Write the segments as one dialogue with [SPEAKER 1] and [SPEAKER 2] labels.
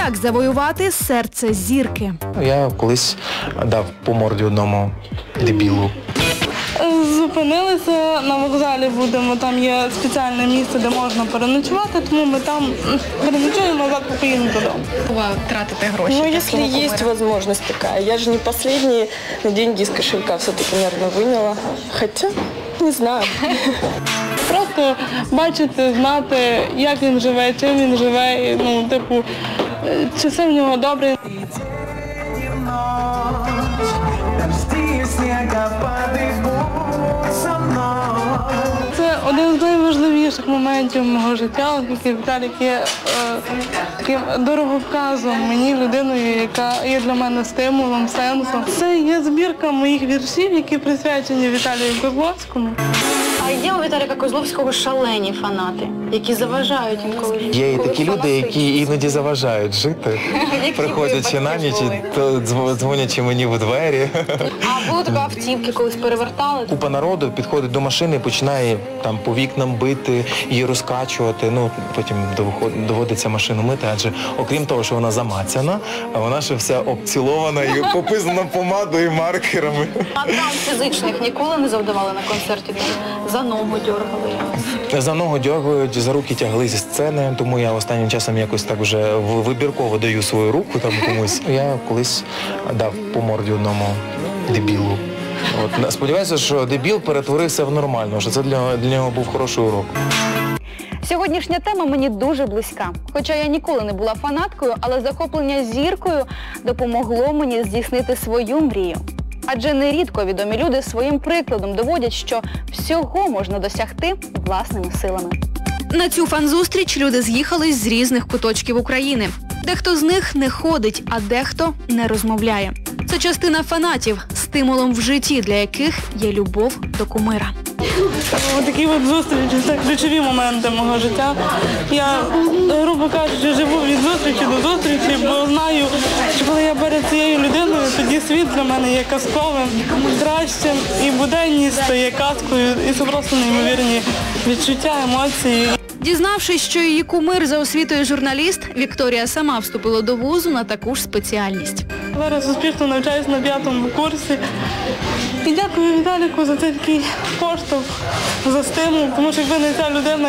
[SPEAKER 1] Як завоювати серце зірки?
[SPEAKER 2] Я колись дав по морді одному дебілу.
[SPEAKER 3] Зупинилися на вокзалі, будемо, там є спеціальне місце, де можна переночувати, тому ми там переночуємо, назад поїдемо додому.
[SPEAKER 4] Тратите гроші?
[SPEAKER 5] Ну, если есть возможность такая. Я же не последние деньги из кошелька все-таки, наверное, выняла. Хотя, не знаю.
[SPEAKER 3] Просто бачити, знати, як він живе, чим він живе, і, ну, типу, чи все в нього добре. Це один з найважливіших моментів мого життя, оскільки Віталік є таким дороговказом мені, людиною, яка є для мене стимулом, сенсом. Це є збірка моїх віршів, які присвячені Віталію Козловському.
[SPEAKER 4] А є у Віталіка Козловського шалені фанати, які заважають інколи жити?
[SPEAKER 2] Є і такі люди, які іноді заважають жити, приходячи на ніч, то дзвонячи мені в двері.
[SPEAKER 4] А було тебе автівки колись перевертали?
[SPEAKER 2] Купа народу підходить до машини і починає там по вікнам бити, її розкачувати. Ну, потім доводиться машину мити, адже окрім того, що вона замацяна, вона ще вся обцілована і пописана помадою і маркерами.
[SPEAKER 4] А травм фізичних ніколи не завдавали на концерті? За ногу дергали?
[SPEAKER 2] За ногу дергають, за руки тягли зі сцени, тому я останнім часом якось так вже вибірково даю свою руку там комусь. Я колись дав по морді одному дебілу. От, сподіваюся, що дебіл перетворився в нормального, що це для нього був хороший урок.
[SPEAKER 1] Сьогоднішня тема мені дуже близька. Хоча я ніколи не була фанаткою, але захоплення зіркою допомогло мені здійснити свою мрію. Адже нерідко відомі люди своїм прикладом доводять, що всього можна досягти власними силами. На цю фан-зустріч люди з'їхались з різних куточків України. Дехто з них не ходить, а дехто не розмовляє. Це частина фанатів, стимулом в житті, для яких є любов до кумира.
[SPEAKER 3] Ось такі от зустрічі, це ключові моменти мого життя. Я, грубо кажучи, живу від зустрічі до зустрічі, бо знаю, що коли я перед цією людиною, тоді світ для мене є казковим, кращим, і буденність стає казкою, і це просто неймовірні відчуття, емоції.
[SPEAKER 1] Дізнавшись, що її кумир за освітою журналіст, Вікторія сама вступила до вузу на таку ж спеціальність.
[SPEAKER 3] Зараз успішно навчаюся на 5-му курсі. І дякую Віталіку за цей такий поштовх, за стимул, тому що якби не ця людина,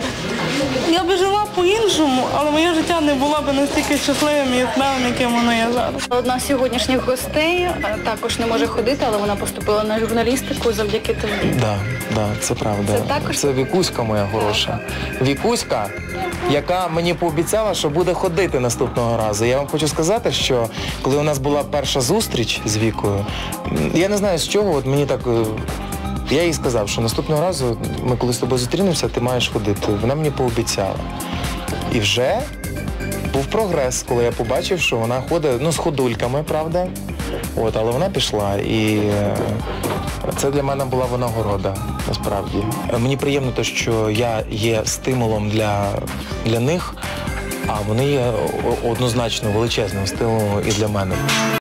[SPEAKER 3] я би жила по-іншому, але моє життя не було б настільки щасливим і яскравим, яким воно є зараз.
[SPEAKER 4] Одна з сьогоднішніх гостей також не може ходити, але вона поступила на журналістику завдяки тобі.
[SPEAKER 2] Так, це правда. Це Вікуська моя хороша. Вікуська, яка мені пообіцяла, що буде ходити наступного разу. Я вам хочу сказати, що коли у нас була перша зустріч з Вікою, я не знаю з чого, от мені так... Я їй сказав, що наступного разу, ми коли з тобою зустрінемося, ти маєш ходити. Вона мені пообіцяла. І вже був прогрес, коли я побачив, що вона ходить, ну, з ходульками, правда, от, але вона пішла. І це для мене була винагорода, насправді. Мені приємно те, що я є стимулом для них, а вони є однозначно величезним стимулом і для мене.